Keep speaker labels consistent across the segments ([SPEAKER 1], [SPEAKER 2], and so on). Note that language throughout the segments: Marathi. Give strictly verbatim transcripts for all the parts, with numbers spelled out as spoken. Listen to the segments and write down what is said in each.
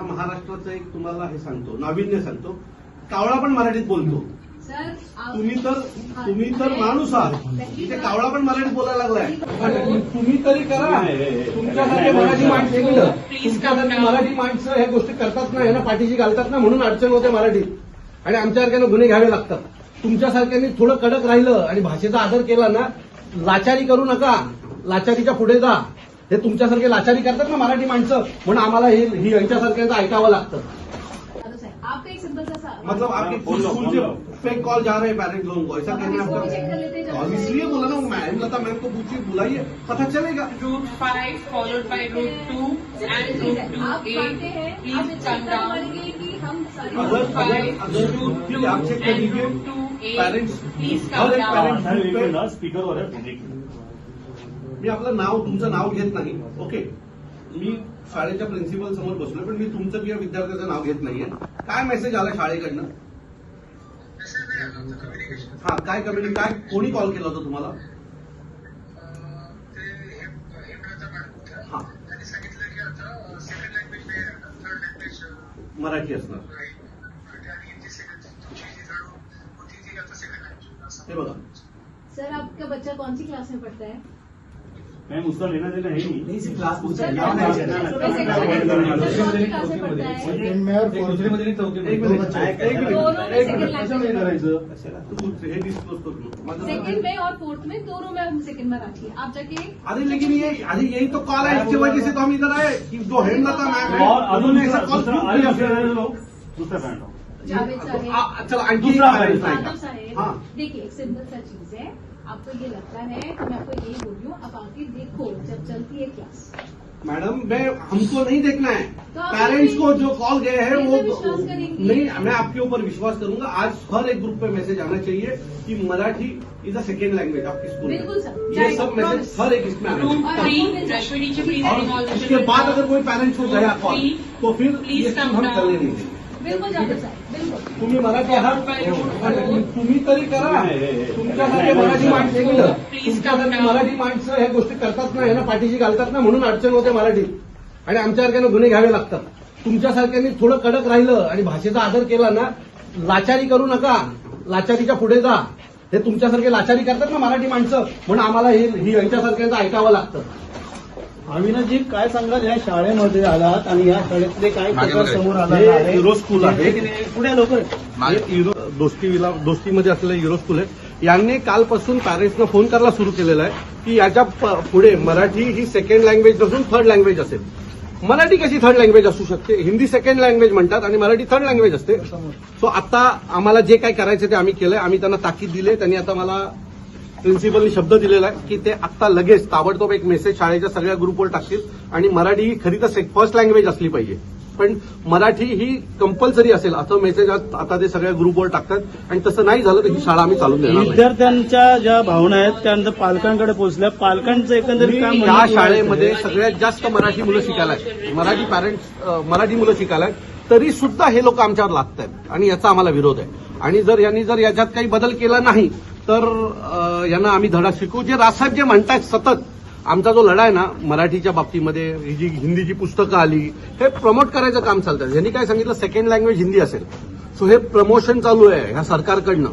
[SPEAKER 1] ह्या महाराष्ट्राचं एक तुम्हाला हे सांगतो, नाविन्य सांगतो, कावळा पण मराठीत बोलतो. तुम्ही तर तुम्ही तर माणूस आहात, इथे कावळा पण मराठीत बोलायला लागलाय. तुम्ही तरी करा. तुमच्यासारखे मराठी माणसं केलं, तुमच्यासारखी मराठी माणसं ह्या गोष्टी करतात ना, ह्यांना पाठीशी घालतात ना, म्हणून अडचण होते मराठीत. आणि आमच्यासारख्यानं गुन्हे घ्यावे लागतात. तुमच्यासारख्यांनी थोडं कडक राहिलं आणि भाषेचा आदर केला ना, लाचारी करू नका, लाचारीच्या पुढे जा. हे तुमच्यासारखे लाचारी करतात ना मराठी माणसं, म्हणून आम्हाला ही यांच्यासारख्यांचं ऐकावं लागतं.
[SPEAKER 2] आपका एक सिंपल सा
[SPEAKER 1] मतलब आपके स्कूल से फेक कॉल जा रहे हैं पेरेंट्स लोगों को, ऐसा कहना है आपका? इसलिए बोला ना, मैम लता मैम को पूछिए, बुलाइए, पता चलेगा.
[SPEAKER 3] Route five followed by route two and route two
[SPEAKER 2] आप जानते हैं, आप चेक कर पाएंगे कि हम
[SPEAKER 1] अगर अगर अगर आप चेक कर लीजिए पेरेंट्स, हर एक पेरेंट्स
[SPEAKER 4] स्पीकरवर आहे.
[SPEAKER 1] मी आपलं नाव तुमचं नाव घेत नाही, ओके. मी शाळेच्या प्रिन्सिपल समोर बसलोय, पण मी तुमचं किंवा विद्यार्थ्याचं नाव घेत नाहीये. काय मेसेज आला शाळेकडनं? हा, काय कम्युनिटी, काय कोणी कॉल केला होता तुम्हाला? हा, मराठी असणार. हे बघा
[SPEAKER 2] सर, आपका बच्चा कौन सी क्लास में पढ़ता है?
[SPEAKER 4] मैम उसका लेना देना है ही नहीं.
[SPEAKER 5] क्लास पूछा
[SPEAKER 2] सर,
[SPEAKER 5] है
[SPEAKER 2] कौन सी क्लास में पढ़ता है?
[SPEAKER 5] सेकंड में और दूसरे मध्ये नाही, चौथी मध्ये.
[SPEAKER 1] एक मिनिट, एक मिनिट,
[SPEAKER 2] दोनों में
[SPEAKER 1] एक
[SPEAKER 2] सेकंड
[SPEAKER 1] मिनिट.
[SPEAKER 2] लैंग्वेज
[SPEAKER 4] करायचं
[SPEAKER 1] तू हे डिस्क्लोज करू.
[SPEAKER 2] सेकंड में और फोर्थ में दोनों में हम सेकंड में रखिए. आप जाके
[SPEAKER 1] अरे लेकिन ये अरे यही तो कॉल है, इसकी वजह से तो हम इधर आए कि जो हेमलता मैम है
[SPEAKER 4] और अजून
[SPEAKER 1] उन्होंने ऐसा कॉल क्यों किया फिर?
[SPEAKER 4] दुसरा पॅन्ट
[SPEAKER 2] जावेद साहब,
[SPEAKER 1] चलो आणखी एक
[SPEAKER 4] दूसरा
[SPEAKER 1] parent
[SPEAKER 2] यादव
[SPEAKER 1] सांगा.
[SPEAKER 2] साहेब,
[SPEAKER 1] हाँ.
[SPEAKER 2] देखिए एक सिंपल सा चीज है. आपको ये लगता है तो मैं आपको ये बोल रही हूँ, आप आके देखो जब चलती है क्लास.
[SPEAKER 1] मैडम, मैं हमको नहीं देखना है,
[SPEAKER 2] तो आप
[SPEAKER 1] पेरेंट्स को जो कॉल गए हैं
[SPEAKER 2] मेरे
[SPEAKER 1] वो
[SPEAKER 2] पे विश्वास करेंगी?
[SPEAKER 1] नहीं, मैं आपके ऊपर विश्वास करूंगा. आज हर एक ग्रुप पे मैसेज आना चाहिए कि Marathi is a second language आपके स्कूल में.
[SPEAKER 2] बिल्कुल सर.
[SPEAKER 1] ये सब मैसेज हर एक इसमें आना
[SPEAKER 3] रूट
[SPEAKER 1] चाहिए.
[SPEAKER 3] थ्री रश्मिनीची प्लीज
[SPEAKER 1] और उसके बाद अगर कोई पेरेंट्स को गया कॉल तो फिर
[SPEAKER 3] Please
[SPEAKER 1] ये
[SPEAKER 3] come
[SPEAKER 1] हम
[SPEAKER 3] down.
[SPEAKER 1] चलने नहीं देंगे.
[SPEAKER 2] बिल्कुल जावेद साहब, बिल्कुल.
[SPEAKER 1] तुम्ही मराठी आहात, तुम्ही तरी करा. तुमच्यासारखे मराठी माणसं केलं, तुमच्यासारखी मराठी माणसं ह्या गोष्टी करतात ना, ह्यांना पाठीशी घालतात ना, म्हणून अडचण होते मराठीत. आणि आमच्यासारख्यानं गुन्हे घ्यावे लागतात. तुमच्यासारख्यांनी थोडं कडक राहिलं आणि भाषेचा आदर केला ना, लाचारी करू नका, लाचारीच्या पुढे जा. हे तुमच्यासारखे लाचारी करतात ना मराठी माणसं, म्हणून आम्हाला ही यांच्यासारख्यांचं ऐकावं लागतं.
[SPEAKER 5] अविनाशजी, काय सांगाल या शाळेमध्ये आलात आणि या शाळेतले काय प्रकार समोर आला
[SPEAKER 1] हे
[SPEAKER 5] आहे?
[SPEAKER 1] युरो स्कूल आहे.
[SPEAKER 5] पुढे लवकर.
[SPEAKER 1] हे युरो दोस्तीला दोस्तीमध्ये असलेलं युरो स्कूल आहे. यांनी कालपासून पॅरेंट्सना फोन करायला सुरू केलेला आहे की याच्या पुढे मराठी ही सेकंड लँग्वेज नसून थर्ड लँग्वेज असेल. मराठी कशी थर्ड लँग्वेज असू शकते? हिंदी सेकंड लँग्वेज म्हणतात आणि मराठी थर्ड लँग्वेज असते. सो आता आम्हाला जे काय करायचं ते आम्ही केलंय. आम्ही त्यांना ताकीद दिली. त्यांनी आता मला प्रिन्सिपलनी शब्द दिलेला आहे की ते आता लगेच ताबडतोब एक मेसेज शाळेच्या सगळ्या ग्रुपवर टाकतील. आणि मराठी ही खरी तर फर्स्ट लँग्वेज असली पाहिजे, पण मराठी ही कंपल्सरी असेल असं मेसेज आता ते सगळ्या ग्रुपवर टाकतात. आणि तसं नाही झालं तर ही शाळा आम्ही चालून देणार नाही.
[SPEAKER 5] विद्यार्थ्यांच्या ज्या भावना आहेत त्यानंतर पालकांकडे पोहोचल्या. पालकांचं एकंदरीत काय म्हणणं
[SPEAKER 1] या
[SPEAKER 5] आहे?
[SPEAKER 1] शाळेमध्ये सगळ्यात जास्त मराठी मुलं शिकायला आहेत, मराठी पॅरेंट्स मराठी मुलं शिकायला आहेत, तरी सुद्धा हे लोक आमच्यावर लागत आहेत आणि याचा आम्हाला विरोध आहे. आणि जर यांनी जर याच्यात काही बदल केला नाही तर यांना आम्ही धडा शिकवू. जे राजसाहेब जे म्हणतायत सतत, आमचा जो लढा आहे ना मराठीच्या बाबतीमध्ये, ही जी हिंदीची पुस्तकं आली हे प्रमोट करायचं काम चालतं. यांनी काय सांगितलं, सेकंड लँग्वेज हिंदी असेल. सो हे प्रमोशन चालू आहे ह्या सरकारकडनं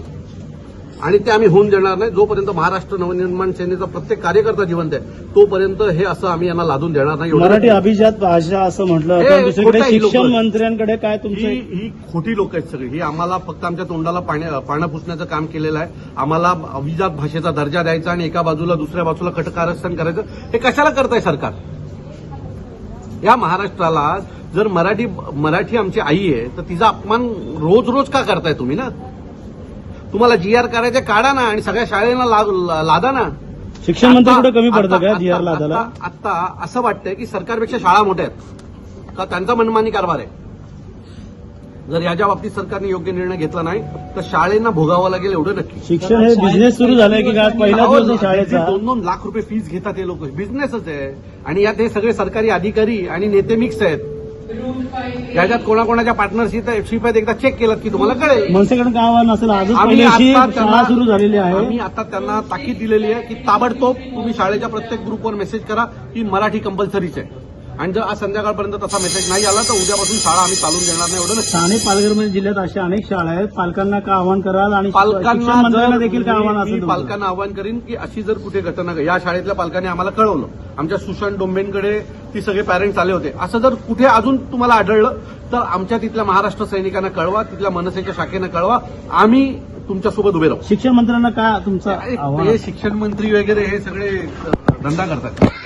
[SPEAKER 1] आणि ते आम्ही होऊन देणार नाही. जोपर्यंत महाराष्ट्र नवनिर्माण सेनेचा प्रत्येक कार्यकर्ता जिवंत आहे तोपर्यंत हे असं आम्ही यांना लादून देणार नाही.
[SPEAKER 5] मराठी अभिजात भाषा असं म्हटलं
[SPEAKER 1] हे
[SPEAKER 5] जातं. दुसरीकडे
[SPEAKER 1] खोटं आहे
[SPEAKER 5] शिक्षण
[SPEAKER 1] लोकं.
[SPEAKER 5] मंत्र्यांकडे काय
[SPEAKER 1] ही
[SPEAKER 5] तुमचं?
[SPEAKER 1] ही खोटी लोक आहेत सगळी. ही आम्हाला फक्त आमच्या तोंडाला पाण्या पाण्या पुसण्याचं काम केलेलं आहे. आम्हाला अभिजात भाषेचा दर्जा द्यायचा आणि एका बाजूला दुसऱ्या बाजूला कटकारस्थान करायचं. हे कशाला करताय सरकार? या महाराष्ट्राला जर मराठी मराठी आमची आई आहे तर तिचा अपमान रोज रोज का करताय तुम्ही? ना तुम्हाला जी आर करायचे काढा ना आणि सगळ्या शाळेला ला- लादा ना.
[SPEAKER 5] शिक्षण मंत्री कुठे कमी पडतं
[SPEAKER 1] आता-
[SPEAKER 5] का जी आर लादायला?
[SPEAKER 1] आता आता असं वाटतंय की सरकारपेक्षा शाळा मोठ्या आहेत का त्यांचा मनमानी कारभार आहे. जर याच्या बाबतीत सरकारने योग्य निर्णय घेतला नाही तर शाळेंना भोगावं लागेल एवढं नक्की.
[SPEAKER 5] शिक्षण हे बिझनेस सुरू झालंय की काय? पहिला दिवस आहे शाळेचा.
[SPEAKER 1] दोन दोन लाख रुपये फीस घेतात हे लोक. बिझनेसच आहे आणि यात हे सगळे सरकारी अधिकारी आणि नेते मिक्स आहेत. याच्यात कोणाकोणाच्या पार्टनरशिप आहेत एकदा चेक केलं की तुम्हाला कळेल.
[SPEAKER 5] मनसेकडे काय आव्हान असेल? आजच
[SPEAKER 1] आम्ही
[SPEAKER 5] पहिल्याशी
[SPEAKER 1] आता
[SPEAKER 5] शाळा
[SPEAKER 1] त्यांना
[SPEAKER 5] सुरू झालेली आहे.
[SPEAKER 1] आम्ही आता त्यांना ताकीद दिलेली आहे की ताबडतोब तुम्ही शाळेच्या प्रत्येक ग्रुपवर मेसेज करा की मराठी कंपल्सरीच आहे. आणि जर आज संध्याकाळपर्यंत तसा मेसेज नाही आला तर उद्यापासून शाळा आम्ही चालून देणार नाही, एवढं नक्की.
[SPEAKER 5] ठाणे पालघरमध्ये जिल्ह्यात अशा अनेक शाळा आहेत. पालकांना का आवाहन कराल आणि शिक्षण
[SPEAKER 1] पालकांना
[SPEAKER 5] मंत्र्यांना
[SPEAKER 1] जर
[SPEAKER 5] देखील काय आव्हान
[SPEAKER 1] मी
[SPEAKER 5] असेल तुमचं?
[SPEAKER 1] पालकांना आवाहन करीन की अशी जर कुठे घटना घड- या शाळेतल्या पालकांनी आम्हाला कळवलं, आमच्या सुशांत डोंबेंकडे ती सगळे पॅरेंट्स आले होते, असं जर कुठे अजून तुम्हाला आढळलं तर आमच्या तिथल्या महाराष्ट्र सैनिकांना कळवा, तिथल्या मनसेच्या शाखेनं कळवा, आम्ही तुमच्यासोबत उभे राहू.
[SPEAKER 5] शिक्षण मंत्र्यांना काय तुमचं आव्हान
[SPEAKER 1] हे शिक्षण मंत्री वगैरे हे सगळे धंदा करतात.